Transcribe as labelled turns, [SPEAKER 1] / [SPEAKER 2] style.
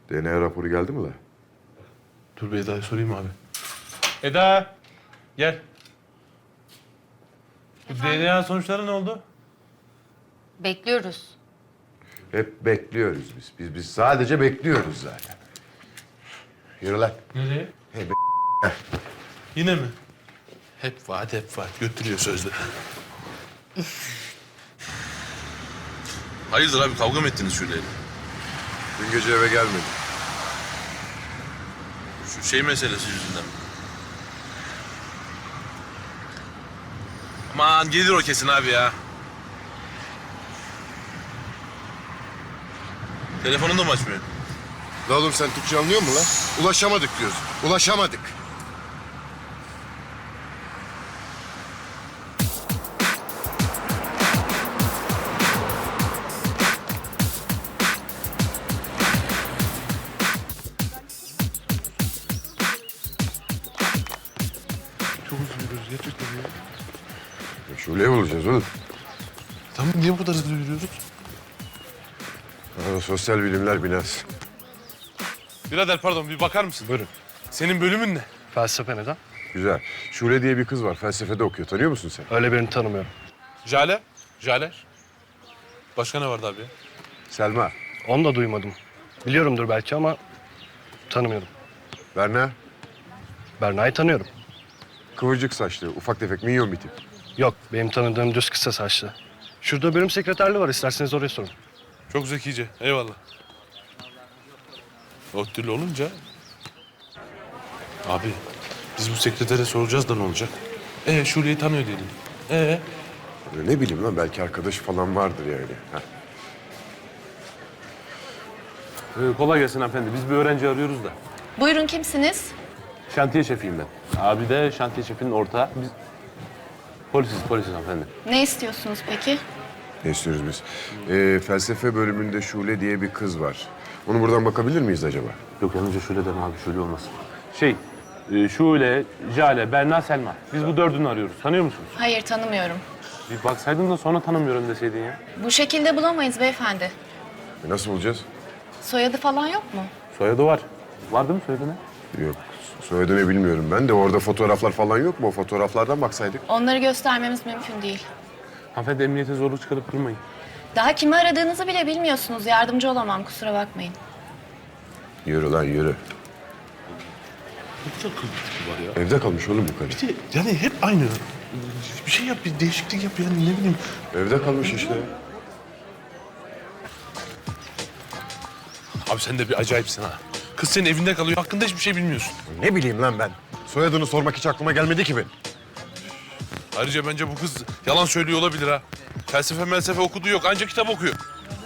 [SPEAKER 1] DNA raporu geldi mi la?
[SPEAKER 2] Dur bir Eda'ya sorayım abi. Eda! Gel. Bu DNA sonuçları ne oldu?
[SPEAKER 3] Bekliyoruz.
[SPEAKER 1] Hep bekliyoruz biz. Biz sadece bekliyoruz zaten. Yürü lan.
[SPEAKER 2] Nereye?
[SPEAKER 1] Hey
[SPEAKER 2] Yine mi? Hep vaat hep vaat. Götürüyor sözde.
[SPEAKER 4] Hayırdır abi, kavga mı ettiniz Şule'yle?
[SPEAKER 1] Dün gece eve gelmedi.
[SPEAKER 4] Şu şey meselesi yüzünden mi? Aman gelir o kesin abi ya. Telefonunu da mı açmıyor?
[SPEAKER 1] La oğlum sen Türkçe anlıyor musun lan? Ulaşamadık diyoruz. Ulaşamadık.
[SPEAKER 2] Çok üzülüyoruz gerçekten ya.
[SPEAKER 1] Şule'yi bulacağız oğlum.
[SPEAKER 2] Tamam niye bu kadar hızlı yürüyoruz?
[SPEAKER 1] Sosyal bilimler binası.
[SPEAKER 2] Birader pardon bir bakar mısın?
[SPEAKER 1] Buyurun.
[SPEAKER 2] Senin bölümün ne?
[SPEAKER 5] Felsefe neden?
[SPEAKER 1] Güzel. Şule diye bir kız var. Felsefede okuyor. Tanıyor musun sen?
[SPEAKER 5] Öyle birini tanımıyorum.
[SPEAKER 2] Jale? Jale? Başka ne vardı abi ya?
[SPEAKER 1] Selma.
[SPEAKER 5] Onu da duymadım. Biliyorumdur belki ama tanımıyorum.
[SPEAKER 1] Berna.
[SPEAKER 5] Berna'yı tanıyorum.
[SPEAKER 1] Kıvırcık saçlı, ufak tefek, minyon bir tip.
[SPEAKER 5] Yok, benim tanıdığım düz kısa saçlı. Şurada bölüm sekreterliği var, isterseniz oraya sorun.
[SPEAKER 2] Çok zekice. Eyvallah. O türlü olunca... Abi biz bu sekretere soracağız da ne olacak? Şule'yi tanıyor diyelim.
[SPEAKER 1] Ne bileyim lan, belki arkadaş falan vardır yani. Ha.
[SPEAKER 6] Kolay gelsin hanımefendi. Biz bir öğrenci arıyoruz da.
[SPEAKER 3] Buyurun kimsiniz?
[SPEAKER 6] Şantiye şefiyim ben. Abi de şantiye şefinin ortağı. Biz polisiz hanımefendi.
[SPEAKER 3] Ne istiyorsunuz peki?
[SPEAKER 1] Ne istiyoruz biz? Felsefe bölümünde Şule diye bir kız var. Onu buradan bakabilir miyiz acaba?
[SPEAKER 6] Yok yalnızca şöyle deme abi, şöyle olmaz. Şule, Jale, Berna, Selma. Biz bu dördünü arıyoruz. Tanıyor musunuz?
[SPEAKER 3] Hayır tanımıyorum.
[SPEAKER 6] Bir baksaydın da sonra tanımıyorum deseydin ya.
[SPEAKER 3] Bu şekilde bulamayız beyefendi.
[SPEAKER 1] Nasıl bulacağız?
[SPEAKER 3] Soyadı falan yok mu?
[SPEAKER 6] Soyadı var. Var değil mi soyadı ne?
[SPEAKER 1] Yok. Soyadını bilmiyorum ben de. Orada fotoğraflar falan yok mu? O fotoğraflardan baksaydık.
[SPEAKER 3] Onları göstermemiz mümkün değil.
[SPEAKER 6] Hanımefendi emniyete zorluk çıkarıp durmayın.
[SPEAKER 3] Daha kimi aradığınızı bile bilmiyorsunuz. Yardımcı olamam kusura bakmayın.
[SPEAKER 1] Yürü lan yürü.
[SPEAKER 2] Ne kadar kıl var ya.
[SPEAKER 1] Evde kalmış oğlum bu karı.
[SPEAKER 2] Yani hep aynı. Bir şey yap, bir değişiklik yap yani ne bileyim.
[SPEAKER 1] Evde kalmış işte.
[SPEAKER 2] Abi sen de bir acayipsin ha. Kız senin evinde kalıyor, hakkında hiçbir şey bilmiyorsun.
[SPEAKER 1] Ne bileyim lan ben. Soyadını sormak hiç aklıma gelmedi ki benim.
[SPEAKER 2] Ayrıca bence bu kız yalan söylüyor olabilir ha. Felsefe okuduğu yok, ancak kitap okuyor.